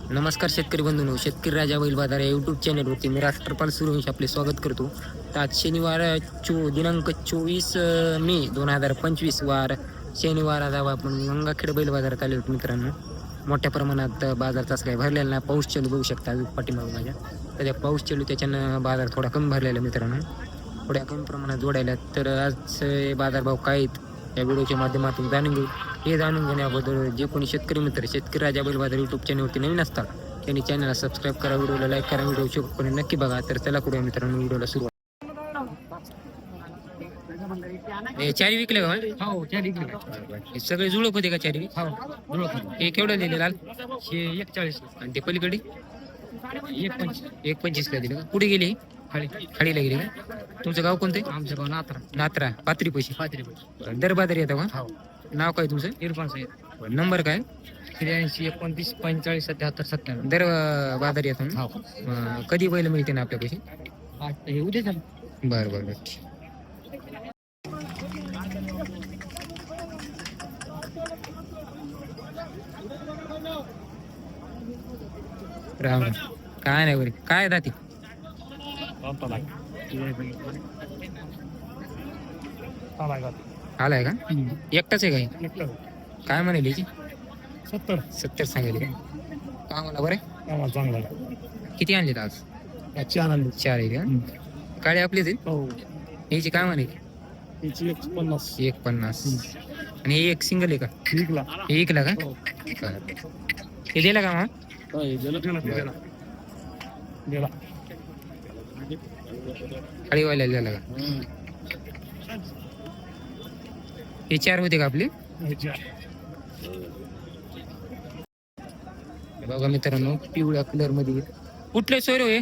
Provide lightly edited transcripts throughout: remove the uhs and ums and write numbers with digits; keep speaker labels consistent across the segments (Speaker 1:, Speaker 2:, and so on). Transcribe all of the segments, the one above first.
Speaker 1: नमस्कार शेतकरी बंधूंनो, शेतकरी राजा बैल बाजार या यूट्यूब चॅनलवरती मी राष्ट्रपाल सूर्यवंशी आपले स्वागत करतो. तर आज शनिवार दिनांक 24 मे 2025 वार शनिवार. आज आपण गंगाखेड बैल बाजारात आले होते मित्रांनो. मोठ्या प्रमाणात बाजार तसं काही भरलेला नाही. पाऊस चालू बघू शकता पाठीमाग माझ्या. तर त्या पाऊस चालू त्याच्यानं बाजार थोडा कमी भरलेला मित्रांनो, थोड्या कमी प्रमाणात जोडायला. तर आज बाजारभाव काय आहेत या व्हिडिओच्या माध्यमातून जाणून घेऊ. हे जाणून घेण्याबद्दल जे कोणी शेतकरी मित्र शेतकरी राजा बैल बाजार यूट्यूब चॅनलवरती नवीन असतात त्यांनी चॅनलला सबस्क्राईब करा, व्हिडिओला लाईक करा, व्हिडिओ शेवटपर्यंत नक्की बघा. तर चला करूया मित्रांनो व्हिडिओला सुरुवात. चारी विकले का?
Speaker 2: हो, चारी विकले.
Speaker 1: हे सगळे जुळक होते का चारी?
Speaker 2: हो, जुळक.
Speaker 1: हे केवढं दिले लाल?
Speaker 2: हे 41
Speaker 1: आणि ते पलीकडे 1.25 ला दिले का? कुठे गेले?
Speaker 2: खाली
Speaker 1: खाडीला गेले का? तुमचं गाव कोणतं?
Speaker 2: आमचं गाव नात्रा.
Speaker 1: नात्रा पात्री पैसे.
Speaker 2: 35.
Speaker 1: दर बाजार येतं का?
Speaker 2: हो,
Speaker 1: नाव काय तुमचं?
Speaker 2: इरफान साहेब.
Speaker 1: नंबर काय?
Speaker 2: 83 29 45 77 97.
Speaker 1: दर बाजार येतो ना?
Speaker 2: हो,
Speaker 1: कधी बैल मिळते ना आपल्या पैसे?
Speaker 2: आज हे उद्या झालं.
Speaker 1: बरं बरं बरं. राम काय नाही बरे. काय दाती आलाय का? एकटाच आहे काय? काय म्हणाली याची? 70 सांगायली का? मला बरं.
Speaker 2: चांगला
Speaker 1: किती आणले आज? 4 आहे का? काळे आपलेच आहेत.
Speaker 2: हो,
Speaker 1: याची काय म्हणाली? 1.50. आणि हे एक सिंगल आहे का? हे एकला का? हे दिला का मग? खाडीवाल्या दिला का? हे 4 होते का आपले? बघा मित्रांनो, पिवळ्या कलर मध्ये. कुठले सोयर हे?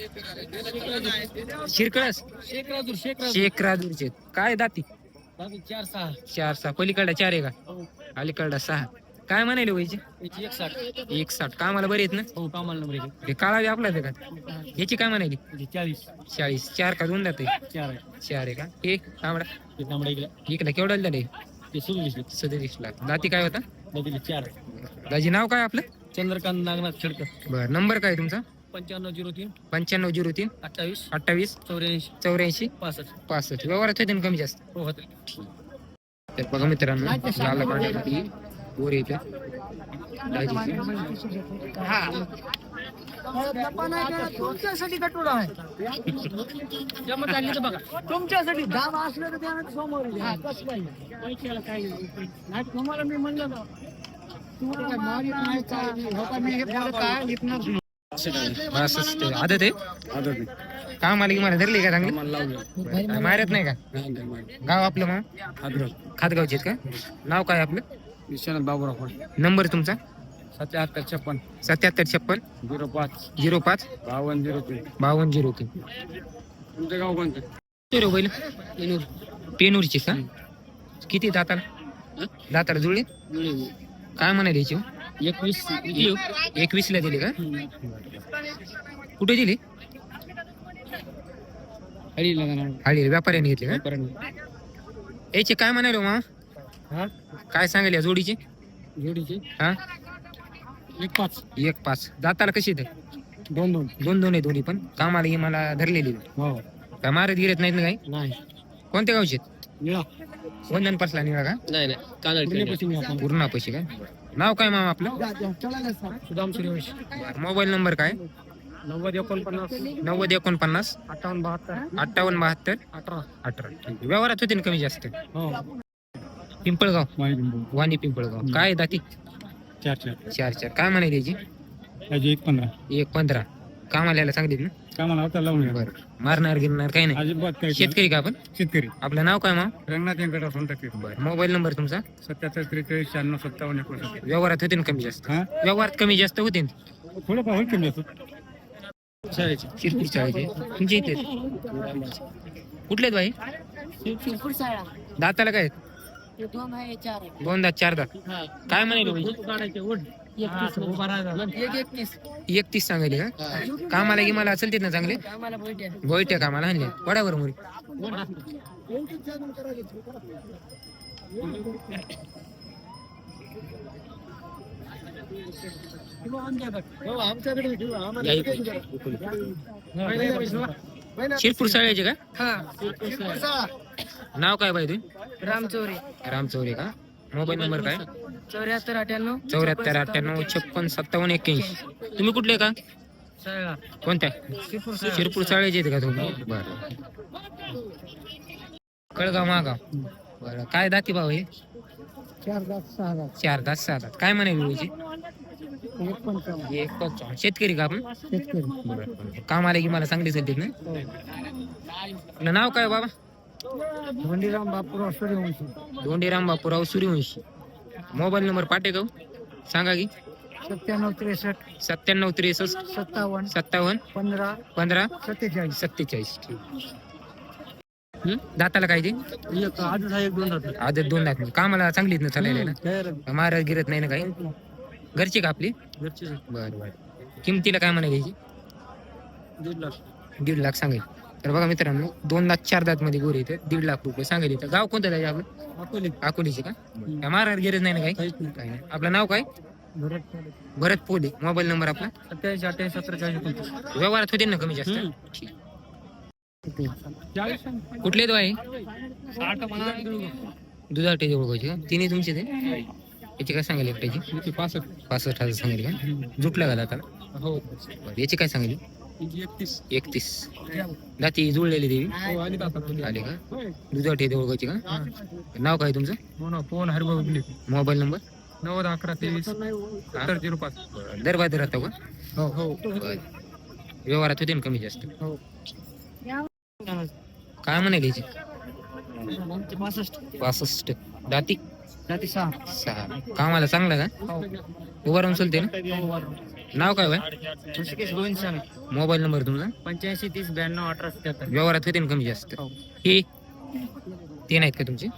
Speaker 1: शिरकळस शेखराजूरचे. काय दाती? 4-6. पलीकडला 4 आहे का? अलीकडला 6. काय म्हणाले व्हायचे? 1.60. कामाला बरे आहेत ना?
Speaker 2: हो, कामाला नंबर
Speaker 1: हे काळावी आपलाच आहे का? याची काय म्हणाली? 40. 4 का 2 जाते? 4 आहे का? हे तांबडा इकडे केवढा झाले? 37 लाख. दाती काय होता?
Speaker 2: 4.
Speaker 1: दाजी नाव काय आपलं?
Speaker 2: चंद्रकांत नागनाथ खेडकर.
Speaker 1: बरं. नंबर काय तुमचा?
Speaker 2: 9503
Speaker 1: 9503
Speaker 2: 28
Speaker 1: 28
Speaker 2: 84
Speaker 1: 84
Speaker 2: 65.
Speaker 1: 65. व्यवहारात होते ना कमी जास्त?
Speaker 2: हो, होते.
Speaker 1: तर बघा मित्रांनो, लाल पाण्यामध्ये वर येते
Speaker 2: तुमच्यासाठी कटोरा आहे. जमत आली तर बघा, तुमच्यासाठी दाम असलं तर त्यानं समोर घ्या. कसं नाही तुम्हाला मी म्हणलं ना, तुम्हाला काय मारित नाही का? मी हे बोलत काय विकणार नाही.
Speaker 1: आदत आहे. काम आले की मला धरली का चांगली? मारत नाही का? गाव आपलं मग खातगावचे आहेत का? नाव काय आपलं?
Speaker 2: विश्वनाथ बाबूराव.
Speaker 1: नंबर तुमचा?
Speaker 2: 7756
Speaker 1: 7756
Speaker 2: 05
Speaker 1: 05
Speaker 2: 5203.
Speaker 1: 5203.
Speaker 2: तुमचं गाव कोणतं?
Speaker 1: बैल पेनूरची का? किती दाताला जुळले? काय म्हणाले याची? 21 ला दिले का? कुठे दिले? हळी व्यापाऱ्याने घेतले का? याचे काय म्हणाले मग? काय सांगाल या जोडीचे? हा, 1.5. दाताला कशी येते? 2 आहे दोन्ही पण. कामाला ही मला धरलेली. काय मारत गिरत नाहीत ना काही?
Speaker 2: नाही.
Speaker 1: कोणत्या गावचे? वंदन पासला निळा का?
Speaker 2: नाही.
Speaker 1: पूर्ण पैसे काय? नाव काय मामा आपलं?
Speaker 2: सुदाम सूर्यवंशी.
Speaker 1: मोबाईल नंबर काय?
Speaker 2: 9049
Speaker 1: 9049
Speaker 2: 5872
Speaker 1: 5872
Speaker 2: 18.
Speaker 1: 18. व्यवहारात होते ना कमी जास्त?
Speaker 2: हो,
Speaker 1: पिंपळगाव वाणी पिंपळगाव. काय दाती? 4. काय म्हणाली याची? 1.15. कामाला सांगितलं ना?
Speaker 2: कामाला होता लावून.
Speaker 1: बरं. मारणार गिरणार काही नाही.
Speaker 2: अजिबात काही.
Speaker 1: शेतकरी का आपण?
Speaker 2: शेतकरी.
Speaker 1: आपलं नाव काय मग?
Speaker 2: रंगनाथ व्यंकटराव सोनटक्के.
Speaker 1: बरं. मोबाईल नंबर तुमचा?
Speaker 2: 77 43 96 57 59.
Speaker 1: व्यवहारात होते ना कमी जास्त?
Speaker 2: हा,
Speaker 1: व्यवहारात कमी जास्त होते ना?
Speaker 2: थोडं पाहून कमी असतो.
Speaker 1: शिरपूर शाळेचे तुमच्या इथे कुठले आहेत बाई? दाताला काय? 2 दात 4 दात. काय म्हणाले? 31 सांगायले का? कामाला की मला असेल ना चांगले गोयट्या कामाला आणले वडावर मुरी. या इकडे. शिरपूर साळ्याचे का नाव काय बाई तुम्ही?
Speaker 2: रामचौरे
Speaker 1: रामचौरे का? मोबाईल नंबर काय?
Speaker 2: 7498
Speaker 1: 74 58 56 57 81. तुम्ही कुठले का? कोणत्या? शिरपूर साळेचे आहेत का तुम्ही? बरं. कळगाव महागाव. बरं काय दाती भाऊ हे?
Speaker 2: 4 दात 6 दात
Speaker 1: 4 दात 6 दात. काय म्हणाली वेळची? 155. शेतकरी का आपण?
Speaker 2: शेतकरी
Speaker 1: बरं. काम आले की मला चांगली सध्या ना. आपलं नाव काय बाबा?
Speaker 2: धोंडीराम बापूराव सूर्यवंशी
Speaker 1: धोंडीराम बापूराव सूर्यवंशी. मोबाईल नंबर पाठे का सांगा की?
Speaker 2: 97 63
Speaker 1: 97 63
Speaker 2: 57
Speaker 1: 57
Speaker 2: 15
Speaker 1: 15
Speaker 2: 47
Speaker 1: 47. दाताला काय ते?
Speaker 2: आजच आहे 2 दात
Speaker 1: आदत 2 दात. कामाला चांगलीच ना चालायला ना. महाराज गिरत नाही ना काही. घरची का आपली? बरं बरं. किमतीला काय म्हणायची? 1.5 लाख सांगेल. तर बघा मित्रांनो 2 दात 4 दात मध्ये गोरे येते 1.5 लाख रुपये सांगेल. इथं गाव कोणतं आहे आपलं? अकोलीचे का? महाराज गिरत नाही ना काही? काही नाही. आपलं नाव काय? भरत पोले. मोबाईल नंबर आपला?
Speaker 2: 87 78 47
Speaker 1: व्यवहारात होते ना कमी जास्त? ठीक. कुठले तो आहे? दुधाटे जवळ का? तिन्ही तुमचे ते? याची काय सांगेल एकट्याची? 65,000 सांगेल का? जुटला का दाताला?
Speaker 2: हो
Speaker 1: याची काय सांगेल? 31. दाती जुळलेली देवी आले का? दुधाटे देवळगावची का? नाव काय तुमचं?
Speaker 2: Phone Harbhau
Speaker 1: mobile number?
Speaker 2: 90 11 23 7005
Speaker 1: दरबाद राहतो का?
Speaker 2: हो हो
Speaker 1: व्यवहारात होते ना कमी जास्त?
Speaker 2: हो
Speaker 1: काय म्हणाले याची?
Speaker 2: 65
Speaker 1: 65. दाती?
Speaker 2: जाती 6
Speaker 1: 6. कामाला चांगला का?
Speaker 2: हो
Speaker 1: उभा राहून चलते ना? नाव काय बाय?
Speaker 2: ऋषिकेश गोविंद स्वामी
Speaker 1: मोबाईल नंबर तुमचा?
Speaker 2: 85 30 92 18 77
Speaker 1: व्यवहारात होते ना कमी जास्त?
Speaker 2: हो.
Speaker 1: हे ते नाहीत का तुमचे?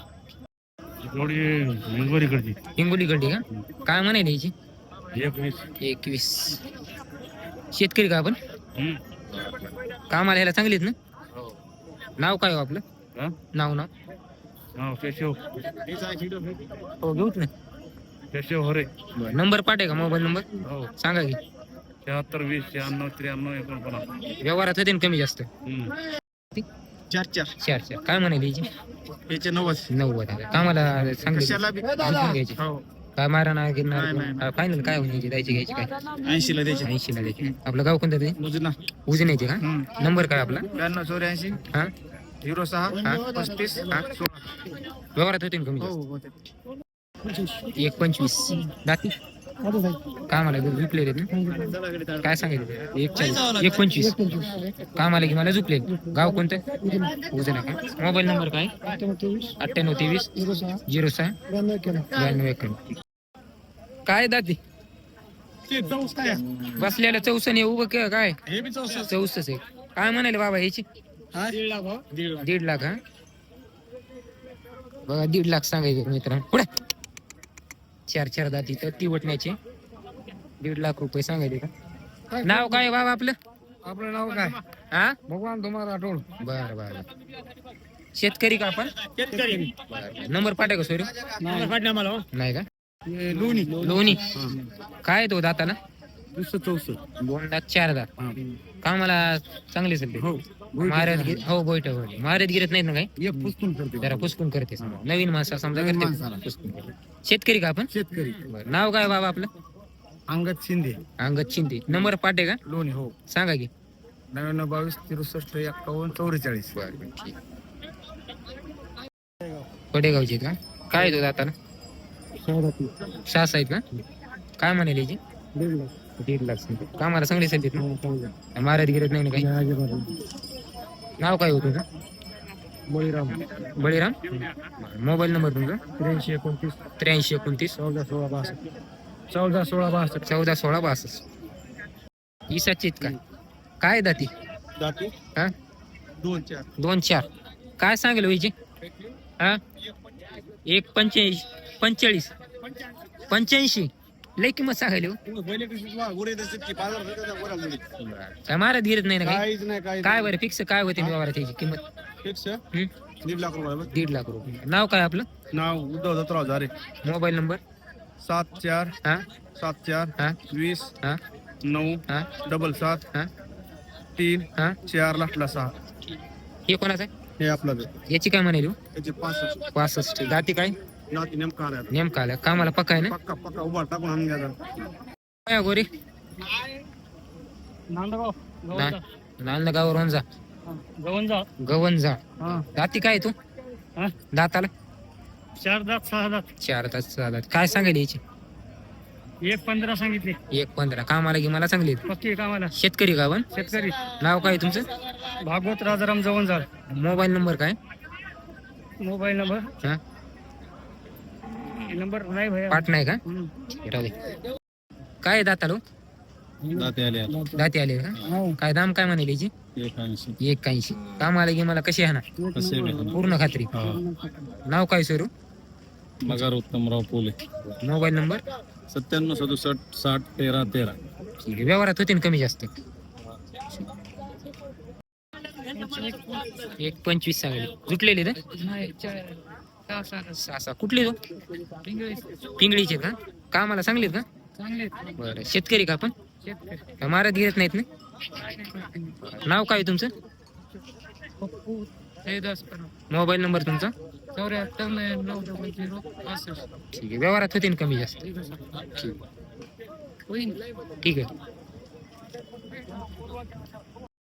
Speaker 1: हिंगोली गड्डी का? काय म्हणाले याची? 21. शेतकरी का आपण? कामाला ह्याला चांगलीत ना? नाव काय हो आपलं? नाव हो घेऊच ना. नंबर पाठे का? मोबाईल नंबर सांगा की?
Speaker 2: 76 20 96 93 49
Speaker 1: व्यवहारात होते ना कमी जास्त?
Speaker 2: 4
Speaker 1: 4 काय म्हणाले याची?
Speaker 2: याचे 90
Speaker 1: 90. कामाला चांगली घ्यायची?
Speaker 2: हो
Speaker 1: काय मारा ना गिरणार?
Speaker 2: नाही.
Speaker 1: फायनल काय होण्याची द्यायची घ्यायची काय?
Speaker 2: 80 ला द्यायचे
Speaker 1: 80 ला द्यायची. आपलं गाव कोणतं ते?
Speaker 2: मुजुना
Speaker 1: उजन्याचे का? नंबर काय आपला?
Speaker 2: 92 84
Speaker 1: हा
Speaker 2: 06 35
Speaker 1: व्यवहारात होते ना कमी जास्त?
Speaker 2: हो
Speaker 1: 1.25. दाती कामाला झुपलेले ना? काय सांगितलं? 1.25. कामाला की मला झुपले. गाव कोणतं? उजना का? मोबाईल नंबर काय? 98 23 06 92 91. काय दाती बसलेलं 64 उभं काय? 64 आहे. काय म्हणाले बाबा याची? 1.5 लाख. हा बघा 1.5 लाख सांगायचे मित्रांनो. पुढे 4 दाती तर ती वटण्याचे 1.5 लाख रुपये सांगायचे का? नाव काय बाबा आपलं?
Speaker 2: आपलं नाव काय?
Speaker 1: हा
Speaker 2: भगवान तुम्हाला राठोड
Speaker 1: बर बर. शेतकरी का आपण? बरं. नंबर पाठे का सोरी? नाही का? लोणी काय तो दाताला? 2 दात 4 दात. कामाला चांगले सध्या?
Speaker 2: हो
Speaker 1: महाराज हो बैठ महाराज गिरत नाहीत ना काही?
Speaker 2: एक पुस्तून करते
Speaker 1: जरा पुसकून करते नवीन माणसा समजा
Speaker 2: नवीन
Speaker 1: करते
Speaker 2: माणसाला.
Speaker 1: पुसकून करते. शेतकरी का आपण?
Speaker 2: शेतकरी
Speaker 1: बरं. नाव काय बाबा आपलं?
Speaker 2: अंगद शिंदे
Speaker 1: अंगद शिंदे. नंबर पाठे का?
Speaker 2: लोणी हो
Speaker 1: सांगा की?
Speaker 2: 99 22 63 51 44
Speaker 1: बरं ठीक. पडेगावचे का? काय तो दाताला? 6 आहेत का? काय म्हणाले याची? 1.5 लाख सांगते. कामाला चांगले सांगते ना? महाराज गिरत नाही ना काही? नाव काय होतं का?
Speaker 2: बळीराम
Speaker 1: बळीराम. मोबाईल नंबर तुमचा?
Speaker 2: 83 29
Speaker 1: 83 29
Speaker 2: 14 16 62 14 16 62
Speaker 1: 14 16 62. इसाचे आहेत का? काय दाती?
Speaker 2: जाती
Speaker 1: हा
Speaker 2: 2 4
Speaker 1: 2 4. काय सांगेल व्हायचे? हा 1.45 45 85. लय किंमत सांगायला हो. काय महाराज गिरत नाही ना काही?
Speaker 2: काहीच नाही काही
Speaker 1: काय बरं फिक्स काय होते व्यवहारात याची किंमत?
Speaker 2: फिक्स
Speaker 1: हं?
Speaker 2: 1.5 लाख रुपये
Speaker 1: 1.5 लाख रुपये. नाव काय आपलं?
Speaker 2: नाव उद्धव दत्तराव झारे
Speaker 1: मोबाईल नंबर?
Speaker 3: 74
Speaker 1: हा
Speaker 3: 74
Speaker 1: हा
Speaker 3: 20
Speaker 1: हा
Speaker 3: 9
Speaker 1: हा
Speaker 3: 77
Speaker 1: हा
Speaker 3: 3
Speaker 1: हा
Speaker 3: 4 लाटला 6.
Speaker 1: हे कोणाचं आहे?
Speaker 3: हे आपलं ते.
Speaker 1: याची काय म्हणाली
Speaker 3: त्याचे 65
Speaker 1: 65 जाती काय
Speaker 3: नाती नेमका आला
Speaker 1: नेमका आलं कामाला पक्का आहे ना
Speaker 3: पक्का पक्का उभा टाकून आणून घ्या
Speaker 1: काय गोरी
Speaker 2: नांदगाव
Speaker 1: नांदगावर वंजा
Speaker 2: गवंजा
Speaker 1: गवंजा
Speaker 2: हा
Speaker 1: जाती काय तू
Speaker 2: हा
Speaker 1: दाताला
Speaker 2: 4 दात 6 दात
Speaker 1: 4 तास चालत काय सांगायला याची
Speaker 2: 1.15 सांगितले
Speaker 1: 1.15 कामाला की मला चांगली आहेत.
Speaker 2: पक्की कामाला
Speaker 1: शेतकरी का पण
Speaker 2: शेतकरी
Speaker 1: नाव काय तुमचं
Speaker 2: भागवत राजाराम जवंजाळ.
Speaker 1: मोबाईल नंबर काय
Speaker 2: मोबाईल नंबर
Speaker 1: हा
Speaker 2: नंबर नाही भैया.
Speaker 1: पाठ नाही का
Speaker 2: हम्म.
Speaker 1: राहू दे. काय आहे दातालो
Speaker 3: दाते आले
Speaker 1: दाती आले का काय दाम काय म्हणाली याची 81 कामाला की मला कशी आहे ना पूर्ण खात्री नाव काय सरू
Speaker 3: मगर उत्तमराव पोले
Speaker 1: मोबाईल नंबर
Speaker 3: 97 67 60 13 13.
Speaker 1: ठीक आहे व्यवहारात होते ना कमी जास्त 1.25 सांगली जुटलेले तर सहा कुठले तो पिंगळीचे का कामाला सांगलीत का बरं शेतकरी का आपण का मारत गिरत नाहीत ना नाव काय तुमचं मोबाईल नंबर तुमचा
Speaker 2: 74
Speaker 1: ठीक आहे व्यवहारात होते ना कमी जास्त ठीक ठीक आहे